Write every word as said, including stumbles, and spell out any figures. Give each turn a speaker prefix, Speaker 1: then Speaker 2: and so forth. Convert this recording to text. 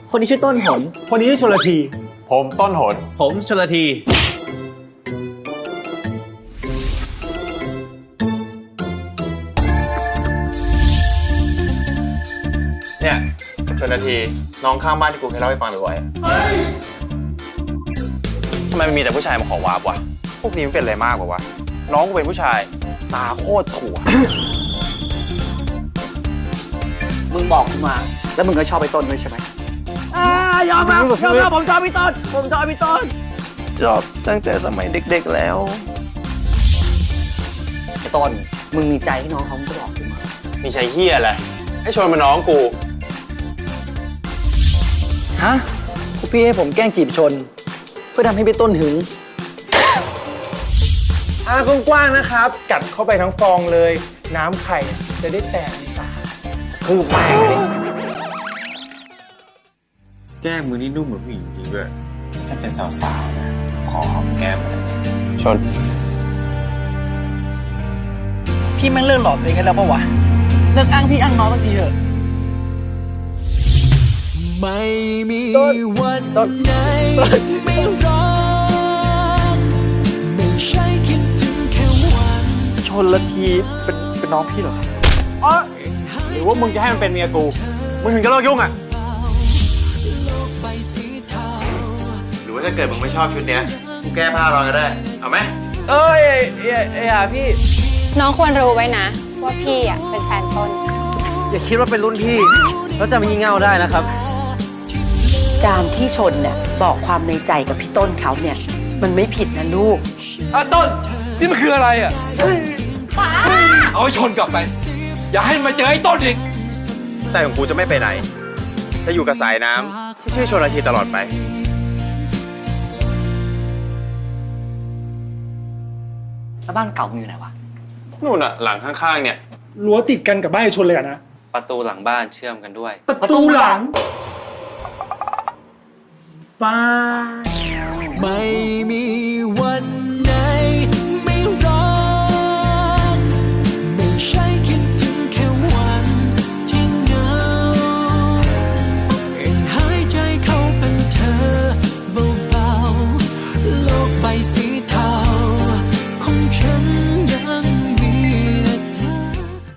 Speaker 1: คนนี้ชื่อต้นหน
Speaker 2: คนนี้ชื่อชลที
Speaker 3: ผมต้นหน
Speaker 1: ผมชลที
Speaker 3: เนี่ยชนนาทีน้องข้างบ้านที่กูเคยเล่าให้ฟังบ่อยทำไมมันมีแต่ผู้ชายมาขอวาบวะพวกนี้มันเป็นอะไรมากกว่าวะน้องกูเป็นผู้ชายตาโคตรถั่ว
Speaker 1: มึงบอกกูมาแล้วมึงก็ชอบไอ้ต้นด้วยใช่ไหมอ่ายอมรับยอมรับผมชอบพี่ต้นผมชอบพี่ต้น
Speaker 3: ชอบตั้งแต่สมัยเด็กๆแล้ว
Speaker 1: ไอ้ต้นมึงมีใจให้น้องเขามึงก็บอกกูมา
Speaker 3: มีใจเฮียอะไรให้ชวนมาน้องกู
Speaker 1: ฮะพวกพี่ให้ผมแกล้งจีบชนเพื่อทำให้พี่ต้นหึง
Speaker 2: อ่ากว้างๆนะครับกัดเข้าไปทั้งฟองเลยน้ำไข่จะได้แตกในปากคือแป้งเลย
Speaker 3: แก้มมือนี่นุ่มเหมือนผู้หญิงจริงด้วยถ้าเป็นสาวๆนะขอหอมแก้มเลยชน
Speaker 1: พี่แม่งเลิกหลอกตัวเองกันแล้วปะวะเลิกอ้างพี่อ้างน้องสักทีเถอะ
Speaker 4: ไม่มีวันไหนไม่รักไม่ใช่คิดถึงแค่วัน
Speaker 1: ชนละทีเป็นเป็นน้องพี่เหรอ
Speaker 2: อ๋อหรือว่ามึงจะให้มันเป็นเมียกูมึงถึงจะเลิกยุ่งอ่ะ
Speaker 3: หรือว่าถ้าเกิดมึงไม่ชอบชุดเนี้ยกูแก้ผ้ารอก็ได้เอาไหม
Speaker 1: เอ้ยเอ้ยเอ้ยพี่
Speaker 5: น้องควรรู้ไว้นะว่าพี่อ่ะเป็นแฟนต้น
Speaker 1: อย่าคิดว่าเป็นรุ่นพี่แล้วจะมางี่เง่าได้นะครับ
Speaker 6: การที่ชนเนี่ยบอกความในใจกับพี่ต้นเขาเนี่ยมันไม่ผิดนะลูก
Speaker 7: อ่ะต้นนี่มันคืออะไรอ่ะเอาให้ชนกลับไปอย่าให้มาเจอไอ้ต้นอีก
Speaker 3: ใจของกูจะไม่ไปไหนจะอยู่กับสายน้ำที่ชื่อชลทีตลอดไป
Speaker 1: แล้วบ้านเก่ามึงอยู่ไหนวะ
Speaker 3: นู่นอ่ะหลังข้างๆเนี่ย
Speaker 2: รั้วติดกันกับบ้านชนเลยอะนะ
Speaker 7: ประตูหลังบ้านเชื่อมกันด้วย
Speaker 2: ประตูหลังบ้าน
Speaker 4: ไม่มี